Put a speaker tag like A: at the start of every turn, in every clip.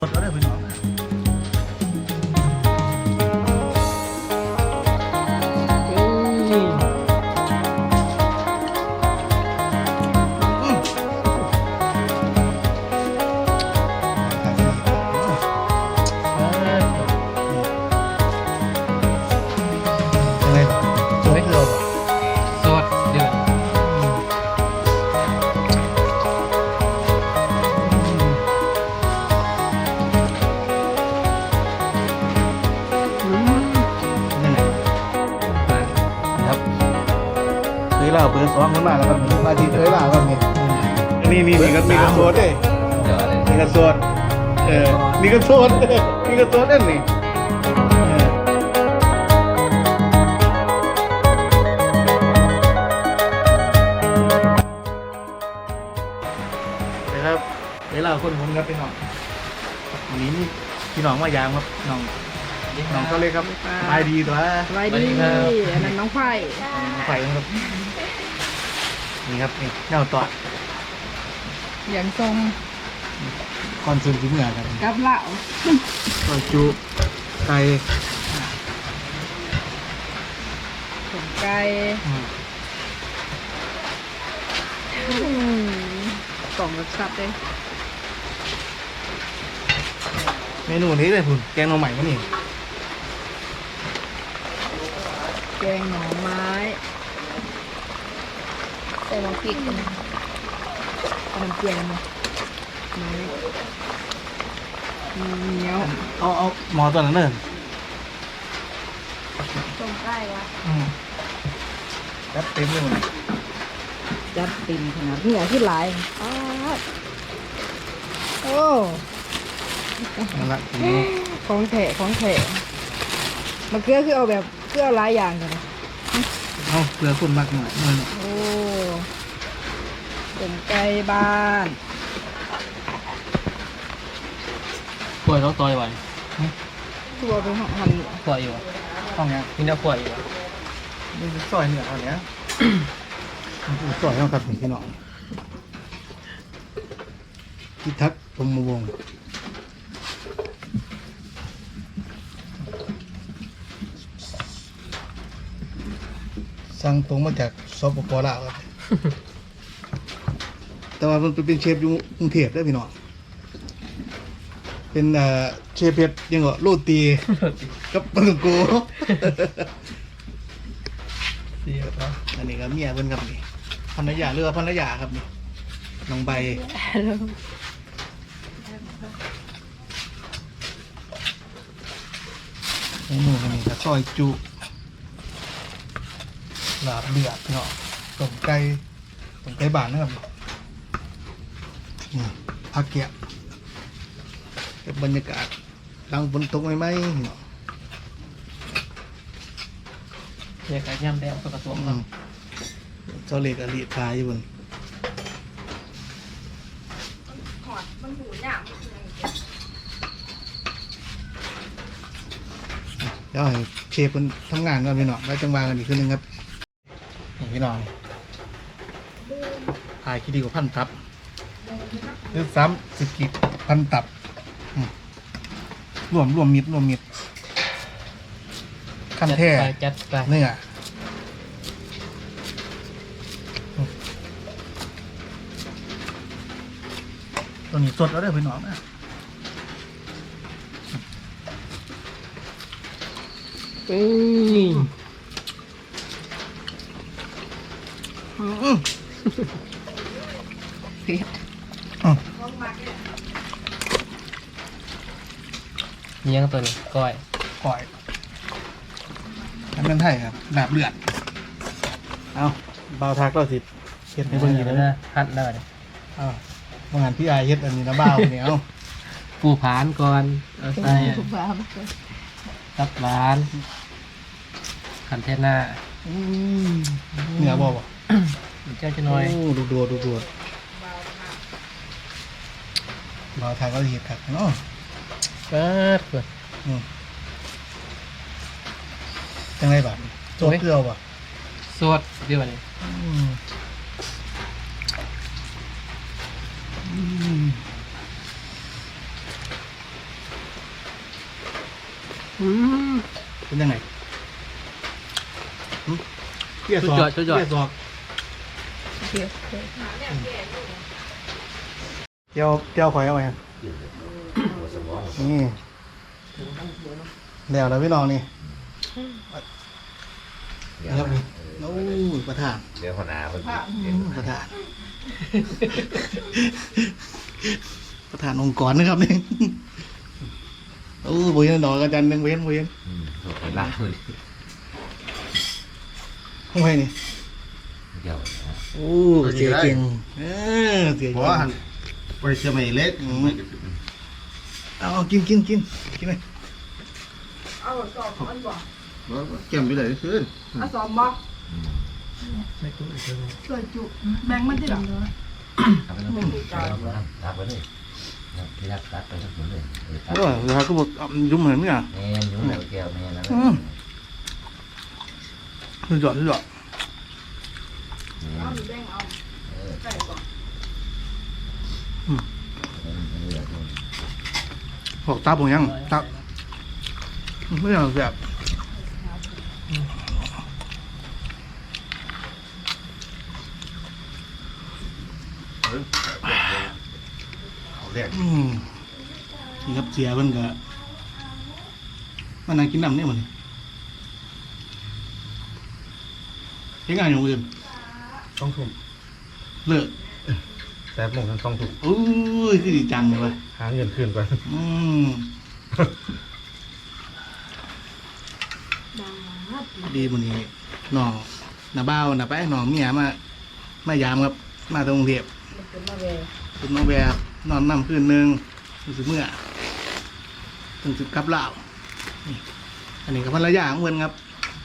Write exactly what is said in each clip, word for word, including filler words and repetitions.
A: รถก็ได้พี่น้องสวยคือเรา
B: สวัสดี
A: เคยเล่าเปิดซ้อมขึ้นมาแล้วก็มีมาทีเคยเล่าก็มีนี่นี่มีกันมีกันโซดด้วย
B: เดี๋ยวอะไร
A: มีกันโซดเออมีกันโซดมีกันโซดนั่นนี่นะครับเคยเล่าคนผมครับพี่น้องวันนี้นี่พี่น้องมายามครับน้องน้องเขาเลยครับสบายดีตัว
C: สบายดีอันนั้นน้องไฟ
A: ไฟครับนี่ครับนี่แนวต่อ
C: อย่างทรง
A: คอนเสิร์ตที่เมื่อครับ
C: กับเหล่า
A: ซอยจุไก่
C: สมไก่กล่องรสชาติเลย
A: เมนูนี้เลยคุณแกงหน่อใหม่ก็นี่
C: แกงหน่อไม้ใส่น้ำพริกกันนะน้ำเกลือมาเหนียว
A: เอาเอาหมอตัวนั้นเนิ่น
C: ต้มไก่วะ
A: จัดเต็มเลยมัน
C: จัดติ่มขนาดนี้ที่หลายอ้าวโอ้
A: นั่นละที
C: ของแถะของแถะมะเขือคือเอาแบบเกลือหลายอย่างกันนะ
A: เอาเกลือคุณมากหน่อยหน่อย
C: โอ้ต้มไก่บ้าน
B: ขวดต้องต่อยไว้
C: ตัวเป็นหั่น
B: ขวดอยู่
A: ห้องเนี้ย
B: มีน้ำขวดอยู่
A: นี่ซอยเหนือเอาเนี้ยซอยต้องครับพี่น้องพิทักษ์พรหมวงศ์สั่งตรงมาจากสปปลาวครับ แต่ว่ามันเป็นเชฟอยู่กรุงเทพได้อพี่น้องเป็นเอ่อเชฟเพชรยังก็โรตีกับปลาโก
B: เสียบเนาะ
A: อันนี้ก็เมียเพิ่นครับนี่ภรรยาเรือภรรยาครับนี่น้องใบเมนูกันนี่ก็ซอยจุลาบเลือดพี่น้องต้มไก่ต้มไก่บ้านนะครับนี่ผักเกี๊ยวเก็บบรรยากาศหลังฝนตกไหมๆพี่น้อง
B: เรียกการย่ำแดงตัวกระสวม
A: อื
B: เนาะ
A: มเจ้าเล็กอลีพายอยู่บน
C: มันหูหยาบ
A: เดี๋ยวให้เชฟมันทำงานก่อนพี่น้องแล้วจังหวะกันอีกคืนนึงครับนี่พี่น้องถ่ายคิดดีกว่าพันตับหรือซ้ำสิบกิกพันตับอืมรวมรวมมิดรวมมิดขั้นแท้
B: จัดไป
A: เนื้อตัวนี้สดแล้วได้อพี่น้องนะ
B: อืม
A: อืม
C: เผ็ด
A: อืม
B: เลี้ยงตัวนี้ก้อย
A: ก่อยทำเป็นไทยครับดาบเลือดเอาเบาทักเราสิเฮ็ดในเบื้องนี้
B: แล้
A: แล้ว ว
B: นะฮัดแล้วเนี่ย
A: อ้าวบางงานพี่อายเฮ็ดอันนี้นะบ้าวเนี่ยเอา
B: ปูผานก่อนเอาใส่
C: ถูกปะ
B: ตับหวานขันเทศหน้า
A: อืมเหนือบ่บ่
B: เจ้าจะน้อย
A: โดูดูดูดูเบาทักเราสิเฮ็ดครับเนาะ
B: เปิดเปิด
A: อืมจังไรบัดโจ๊กเกลือบ่
B: สวดเดี๋ยวนี้
A: อืมอืม
B: อืม
A: เป็นยังไงหึเกี่ย
B: สุ
A: ส
B: ด
A: อก
B: ยอดสุดยอด
A: เกี่ยสอก
C: เดี๋ยว
A: เกี่ยวเกี่ยวข่อยเอาไว้ครับนี่แล้วแล้วพี่น้องนี่นะครับนี่โอ้ยประธาน
D: เดี๋ยวคนอาคน
A: อืมประธาน ประธานองค์กรนะครับนี่โอ้โบเห็นดอกอาจารย์หนึ่งเว้นโบเห็น
D: อืมโหล่าคน
A: ห้องไห้นี่
D: เดี๋ยว
A: โอ้เสียเก่งเออเสีย
E: เพ
A: เก่
E: ราะว่าหั
A: ง
E: นไปเชียงใหม่เล็ก
A: เอาเอากินกินกินกินเลย
C: เอาสอบอันบ่
E: แก้มไปเลยขึ้น
C: เอาสอบบ่ช่วยจุแบ่งมันที่หลัง
D: ทำไปแล้วรับไปเลยที่รักรักไปทั้งหมดเลย
A: เออเดี๋ยวเขาก็บอกเอายุ่มเหมือนเนี่ย
D: แม่ยุ่งแล้วแก้วแม่แล้ว
A: อืมสุดยอดสุดยอด
C: เอาแบ่งเอาใส่ก่อน
A: บอกตาผมยังตาไม่เอาแบบ
E: เอาแรก
A: อืมนี่ครับเสียมันก็มันนั่งกินน้ำเนี่ยมันเห็นงานอย่างอื่น
E: ต้องทุ่ม
A: เลิก
E: แป๊บหนึ่งต้องทุ่ม
A: โอ้ยคือดีจังเลย
E: หาเงินคืนก่อน
A: อืมดีมันนี้น้องน้าบ้าวน้าไปน้องเมียมามายามครับมาตรงกรุงเทพ
C: มันเป็นมาเว
A: คุณน้องแบบนอนนำคืนหนึ่งรู้สึกเมื่อถึงสิบกับเหล่านี่อันนี้กับภรรยาของเพื่อนครับ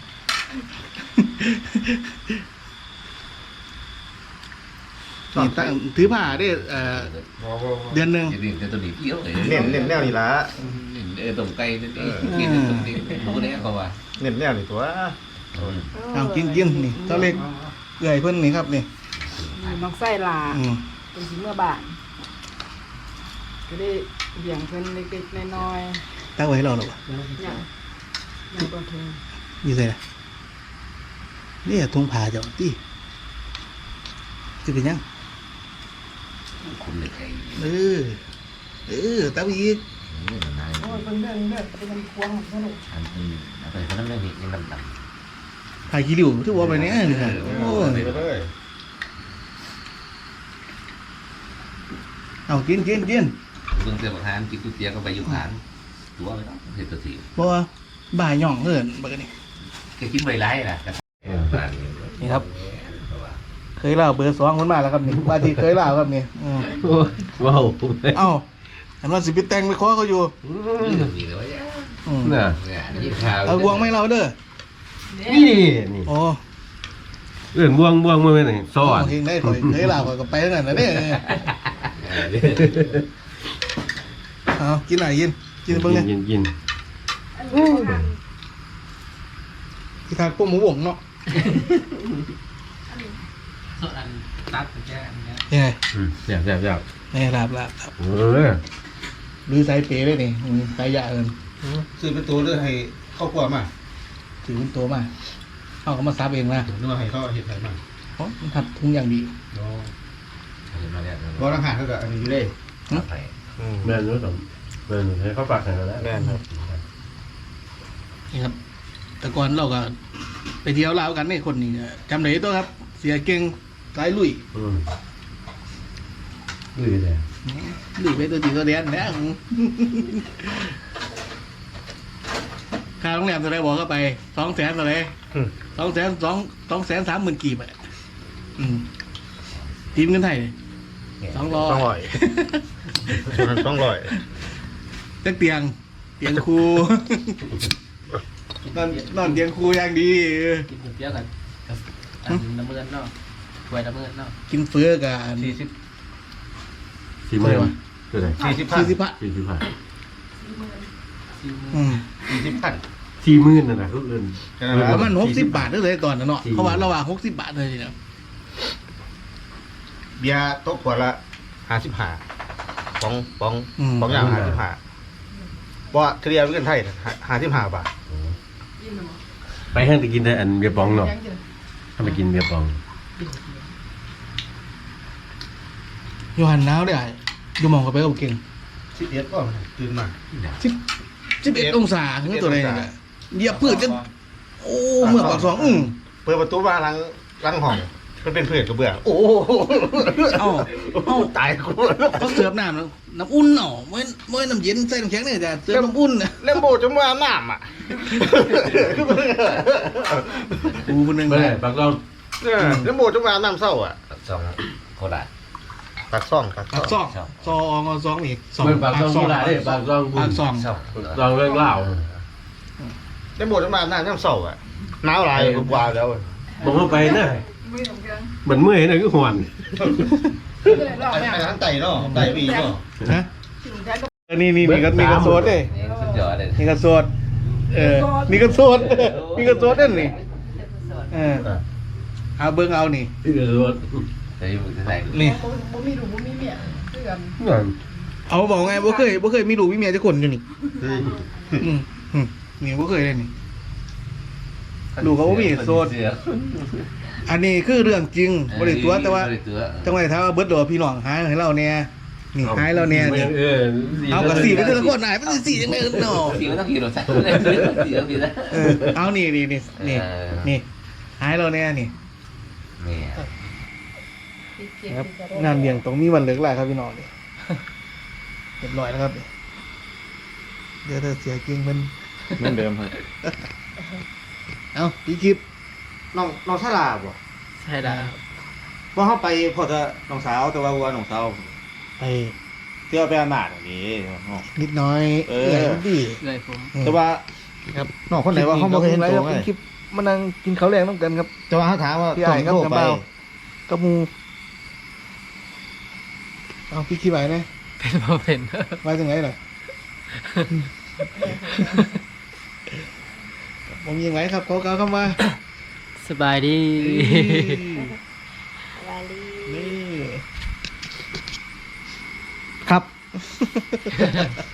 A: นี่ตั้งถือผ้าได้เอ่อเดือนหนึ่ง
D: เดี๋ยวจะตัวนี้เยอะเลย
E: เน้นเน้นแนวนี่ละ
D: เออตรงไกลนี่กินตรงนี้รู้ได้ก็ว่า
E: เน้นแนวนี่ตัว
A: เอากินกินนี่เจ้าเล็กเอื่อยเพื่อนนี่ครับนี่
C: มักไส้ลา
A: อืม
C: เป็นสิเมื่อบานก็ได้เบี่ยงเพิ่นเล็กๆน้อย
A: ตั้งไว้ให้เราหรอวะ
C: ๆอย่างอย่างตัวเธอ
A: ยี่สิบนี่ทงผ่าเจ้าตีจะเป็นยัง
D: คุณเลยใคร
A: เออเออตั้งอีก
D: นี่มันนาย
C: โอ้ยเพิ่นเรื่องเรื่องเป็นควงของสนุก
D: อันนี้อะไรเขาต้องเรื่องนี้ยังดำดำ
A: ผ่าขี้ริ้วที่ว่าไปเนี่ยนี่ค่ะโอ้ย
E: ไปเลย
A: เอากินกินกิน
D: เรื่องเตือนประธานกินก๋วยเตี๋ยวก็ไปยุคานตัวไม่ต้องเห็นตัวที
A: เพราะว่าบ่ายหย่องเอินบักนี่
D: แค่กินใบไร้นะ
A: นี่ครับ เคยเล่าเบอร์สองคนมาแล้วครับนี่ว่าที่เคยเล่าครับนี่อืม
B: ว้าว
A: เอ้าเห็นว่าสิไปแต่งไปขอเขาอยู่
D: นี่เลยว่า
A: อืม
B: น่ะ
D: เนี่ยนี่ข่าว
A: เอาบวงไม่เราเด้อ
B: นี่นี่
A: โอ้
B: เอื่นบ่วงบ่วงมือไหนสอน
A: เฮงได้ข่อยเคยเล่าข่อยก็ไปทั้งนั้นนะเนี่ยเอากินไหนกินกินเบิ่งเนี่ย
B: กินกิน
A: ที่ทานพวกหมูหวงเนาะ
B: สอนตัดแค่อันนี้
A: ยังไง
B: อืมแซ่บแซ่บแซ่บ
A: นี่ลาบลาบครับ
B: เออ
A: ดูสายเป๋เลยนี่อืมสายยาเอิน
E: ซื้อเป็นตัวเลยให้เข้ากลัวมา
A: ถือเป็นตัวมาเอาก็มาซับเองนะ
E: นึกว่าให้เขาเห็ดอะไรมา
A: เพราะมันทัดทุงอย่างดี
D: มาแล้ว
E: เพราะทหารเขาก็อันนี้อยู่เลย
D: ไป
B: แม่นรู้สมแม่นให้เขาฝากให้แล้ว
E: แม่นครับ
A: นี่ครับ แต่ก่อนเราก็ไปเที่ยวลาวกันนี่คนนี้ก็จำได้ตัวครับ เสียเก่งสายลุย
B: อืมดูดิเลย
A: ลุยไปตัวจีตัวเดียนนะค่าโรงแรมตัวไหนบอกเข้าไปสองแสนตัวไหนสองแสนสองสองแสนสามหมื่นกีบอ่ะอืมทีมเงินไทยสองร้อย
E: สองร้อยสองร้อย
A: เตียงเตียงครู นอนนอนเตียงครูอย่างดี
B: กินก๋วยเตี๋ยวกันกับอันน้ำมันเนาะถ้วยน้ำมันเนาะ
A: กินเฟื้อกับ
E: สี่สิบ
B: สี่หมื่นคืออะไร
E: สี่สิบพัน
A: สี่สิบพัน
B: สี่สิบพัน
A: อืม
E: สี่สิบพัน
B: สี่หมื่นน่ะนะคืออื่น
A: ประมาณหกสิบบาทเลยตอนนั้นเนาะเขาว่าระหว่างหกสิบบาทเลยนะ
E: เบียร์โต๊ะขวดละห้าสิบห้าปองปองปองยาวห้าสิบห้าบ่เฉลี่ยเป็นเงินไทยห้าสิบห้าบาท
F: ไปห้างไปกินได้อันเบียร์ปองเนาะถ้าไปกินเบียร์ปอง
A: โยหันหนาวได้อยู่หมองกับไปกับเก่ง
E: สิบเอ็ดก็ตื่นมา
A: สิบสิบเอ็ดองศาถึงตัวไหนเนี่ยเหยียบพืชจะโอ้เมื่อปากสองอืม
E: เปิดประตูมาหลังหลังห้องมันเป็นเพื่อนกับเบื่อโอ้
A: เอ้าเอ้า
E: ตายกู
A: เขาเสิร์ฟน้ำแล้วน้ำอุ่นเนาะไม่ไม่น้ำเย็นใส่น้ำแข็งเนี่ยแต่เสิร์ฟน้ำอุ่นนะ
E: เล่มโบจนว่าน้ำอ่ะ
A: กูคนหนึ่ง
F: ไม่ได้ปากเรา
E: เล่มโบจนว่าน้ำเศร้าอ่ะ
D: สองโคราช
E: ปากซ่องปาก
A: ปากซ
E: ซ่อง
A: องซองเอาซองอีกสอง
F: ไม่ปากซองโบราณได้ปากซอง
A: ปากซอง
D: สอง
F: ซองเรื่องเล่า
E: เล่มโบจนว่าน้ำน้ำเศร้าอ่ะหนาวหลายกูว่าแล้ว
F: บอกเข้าไปนะเหมือนเมื่อยนะก็หวน
E: ไอ้ร้านไต่เนาะไต่บีเนาะ
A: ฮะนี่นี่มีกระมีกระโซดเลย
D: นี่สุดยอดเลย
A: มีกระโซดเออมีกระโซดมีกระโซดนั่นนี่เออเอาเบิ้งเอานี่
F: ที่เดือดร้อน
D: จะอยู่ที่ไหน
A: นี่
C: บ่มีดูบ่มีเมียคือกัน
A: เอาบอกไงบ่เคยบ่เคยมีลูกมีเมียจะคนอยู่นี่อืมอืมนี่บ่เคยเลยนี่ลูกเขาบ่มีโซด
D: เสือ
A: อันนี้คือเรื่องจริงบ่ได้ตัวแต่ว่า
D: บ่ได้ตัว
A: จังหวะถามว่าเบิดดอกพี่น้องหายให้เราเนี่ยนี่หายเราเนี่ยนี่
F: เออ
A: เอากับสี่เป็นแต่ละคนหายเป็นสี่ยังไงเนาะ
D: สีก็ต้องขี่รถใส่เลยสีก็สีแล้ว
A: เออเอานี่นี่นี่นี่นี่หายเราเนี่ยนี่
D: นี่
A: ครับงานเลี้ยงตรงมีวันเลิกแหละครับพี่น้องนี่เรียบร้อยแล้วครับเดี๋ยวเธอเสียกิ่งมัน
E: เหมือนเดิมครับ
A: เอาพี่คลิป
E: น้องน้องชาลาบ่
B: ใช่แล้ว
E: บ่เฮาไปพอจะน้องสาวแต่ว่าว่าน้องสาว
A: ไป
E: เที่ยวไปอามาดอย่างนี้
A: นิดน้อย
E: เออ
A: ใหญ่ดี
B: เลยผม
E: แต่ว่า
A: ครับ
E: น้องคนไหนว่าเขาบ่เคยเห็นตัว
A: ไง
E: ไง
A: คลิปมานั่งกินข้าวแรงต้องกันครับ
E: แต่ว่าเขาถามว่า
A: พี่
E: ต้
A: ไอ้
E: อง
A: ครับ
E: โทร
A: กับ
E: ไป
A: เบากับมูเอาพี่คลิปไหนนะ
B: เป็นบ่เป็น
A: ไว้ตรงไหนหน่อยผมยังไงครับเขาเขาเข้ามา
B: สบายดี
A: นี่ครับ